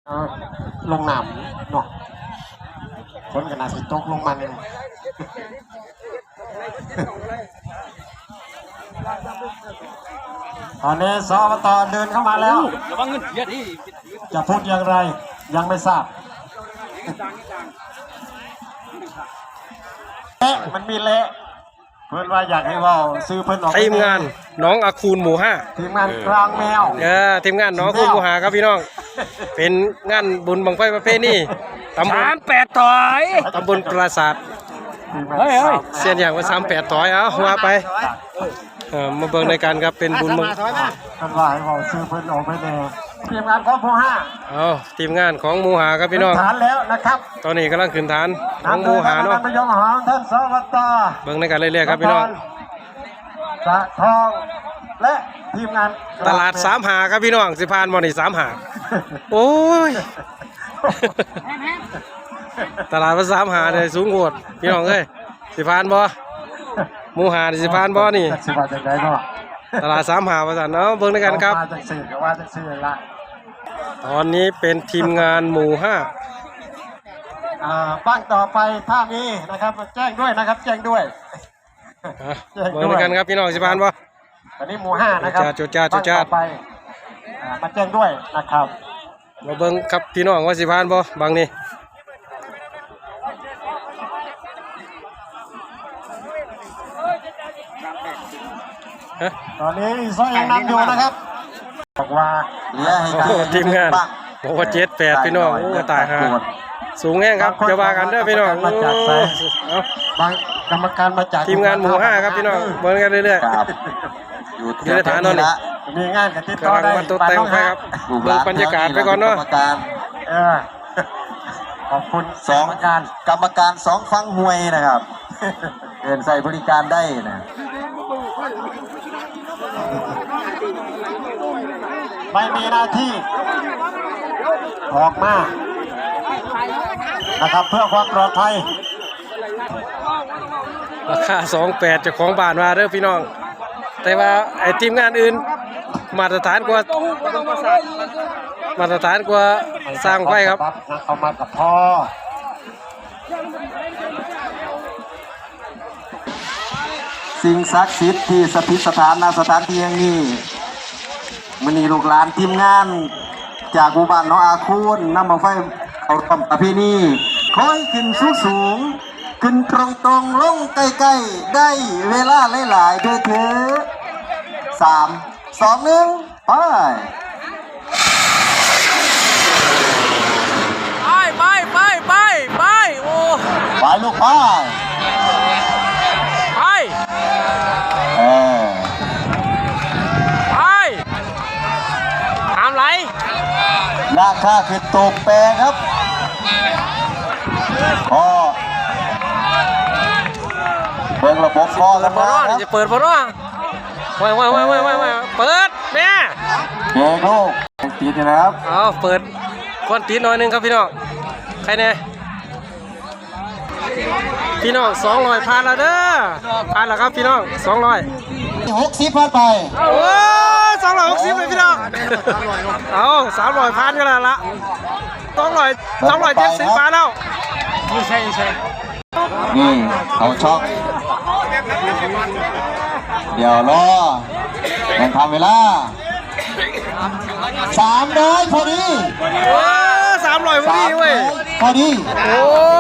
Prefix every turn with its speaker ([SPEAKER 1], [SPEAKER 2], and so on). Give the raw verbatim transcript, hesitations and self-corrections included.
[SPEAKER 1] ลงน้ำเนาะคนขนาดสิตกลงมันตอนนี้สอบตเดินเข้ามาแล้วจะพูดอย่างไรยังไม่ทราบเละมันมีเละเพื่อนว่าอยากให้ว่าซื้อเพื่อนออก
[SPEAKER 2] ทีมงานน้องอาคูนหมู่ห้า
[SPEAKER 1] ทีมงานกลางแมว
[SPEAKER 2] เออทีมงานน้องอาคูนหมู่ห้าครับพี่น้องเป็นงานบุญบังไฟประเพณีตำบลแปดถอยตำบลปราสาทเฮ้ยเสียนอย่างว่าสามแปดถอยเอาว่าไปเออมาเบิ่งในการครับเป็นบุญบัง
[SPEAKER 1] ท่านว่าให้เราซื้อเพื่อนออกไปเลยทีมงานของหมู่ห้า
[SPEAKER 2] เอาทีมงานของหมู่ห้าครับพี่น้อง
[SPEAKER 1] ฐานแล้วนะครับ
[SPEAKER 2] ตอนนี้กำลังขึ้นฐานของหมู่ห้าเนาะ
[SPEAKER 1] นายกหางท่านสวัสดิ์
[SPEAKER 2] เบิ่งในการเรื่อยๆครับพี่น้อง
[SPEAKER 1] สะทองและทีมงาน
[SPEAKER 2] ตลาดสามหาครับพี่น้องสิพานบอลนี่สามหาโอ้ยตลาดมาสามหาเลยสูงโหดพี่น้องเอ้ยสิพานบอหมู่หาสิพานบอนี่
[SPEAKER 1] สิพานจากไหนเนาะ
[SPEAKER 2] ตลาดสามหาประสานเนาะเบิ่งในกันครับตอนนี้เป็นทีมงานหมู่ห้า
[SPEAKER 1] บ้างต่อไปถ้ามีนะครับแจ้งด้วยนะครับแจ้งด้วย
[SPEAKER 2] เบิ่งในกันครับพี่น้องสิพานบอ
[SPEAKER 1] ตอนนี้หมู่ห้านะครับ
[SPEAKER 2] จุดจ้าจุดจ้า
[SPEAKER 1] ไปมาแจ้งด้วยนะครับ
[SPEAKER 2] มาเบิ่งครับพี่น้องว่าสิพานบอบางนี่
[SPEAKER 1] ตอนนี้ซอยยังนำอยู่นะครับบอกว่า
[SPEAKER 2] ทีมงานบอกว่าเจ็ดแปดพี่น้องโอ้ตายฮะสูงแห้งครับจะว่ากันเด้อพี่น้อง
[SPEAKER 1] บางกรรมการมาจาก
[SPEAKER 2] ทีมงานหมู่ห้าครับพี่น้องเบิ่งกันเรื่อยๆอยู่ในฐานนอนนี่
[SPEAKER 1] มีงานกันติดต่อได้
[SPEAKER 2] มาตกแต่งไปครับเบิ่งบรรยากาศไปก่อนเนาะ
[SPEAKER 1] ขอบคุณสองการกรรมการสองฟังหวยนะครับเดินใส่บริการได้นะไม่มีหน้าที่ออกมานะครับเพื่อความปลอดภัย
[SPEAKER 2] ราคาสองแปดจากของบ้านมาเด้อพี่น้องแต่ว่าไอ้ทีมงานอื่นมาตรฐานกว่ามาตรฐานกว่าสร้างไฟครับ
[SPEAKER 1] เอามากับพ่อสิ่งศักดิ์สิทธิ์ที่สถิตสถานณสถานที่แห่งนี้มันนี่ลูกหลานทีมงานจากหมู่บ้านน้องอาคูนนำมาไฟเขาทำประเพณีคอยขึ้นสูงสูงขึ้นตรงตรงลงใกล้ๆได้เวลาหลายๆด้วยเถอะสามสองหนึ่งไป
[SPEAKER 2] ไปไปไปไปโอ้
[SPEAKER 1] ไปลูกไป
[SPEAKER 2] ไป
[SPEAKER 1] เออ
[SPEAKER 2] ไปทำไร
[SPEAKER 1] ราคาคือตกแปรครับก็เปิดระบบคอกันมาครับ
[SPEAKER 2] จะเปิดบอลว่าไว้ไว้ไว้ไว้ไว้เปิดแม่
[SPEAKER 1] เฮ้ยลูกตีนนะครับ
[SPEAKER 2] เอาเปิดก้อนตีนหน่อยนึงครับพี่น้องใครเนี่ยพี่น้องสองร้อยพันแล้วเด้อพันแล้วครับพี่น้องสองร้อย
[SPEAKER 1] หกสิบพันไป
[SPEAKER 2] โอ้สองร้อยหกสิบเลยพี่น้องเอาสามร้อยพันก็แล้วละสองร้อยสองร้อยเจ็ดสิบพันแล้วไม่ใช่ไม่ใช่
[SPEAKER 1] นี่เขาช็อกเดี๋ยวรอยังทำเวลาสามร้อยพอดี
[SPEAKER 2] โอ้สามร้อยพอดีเว้ย
[SPEAKER 1] พอดี
[SPEAKER 2] โอ้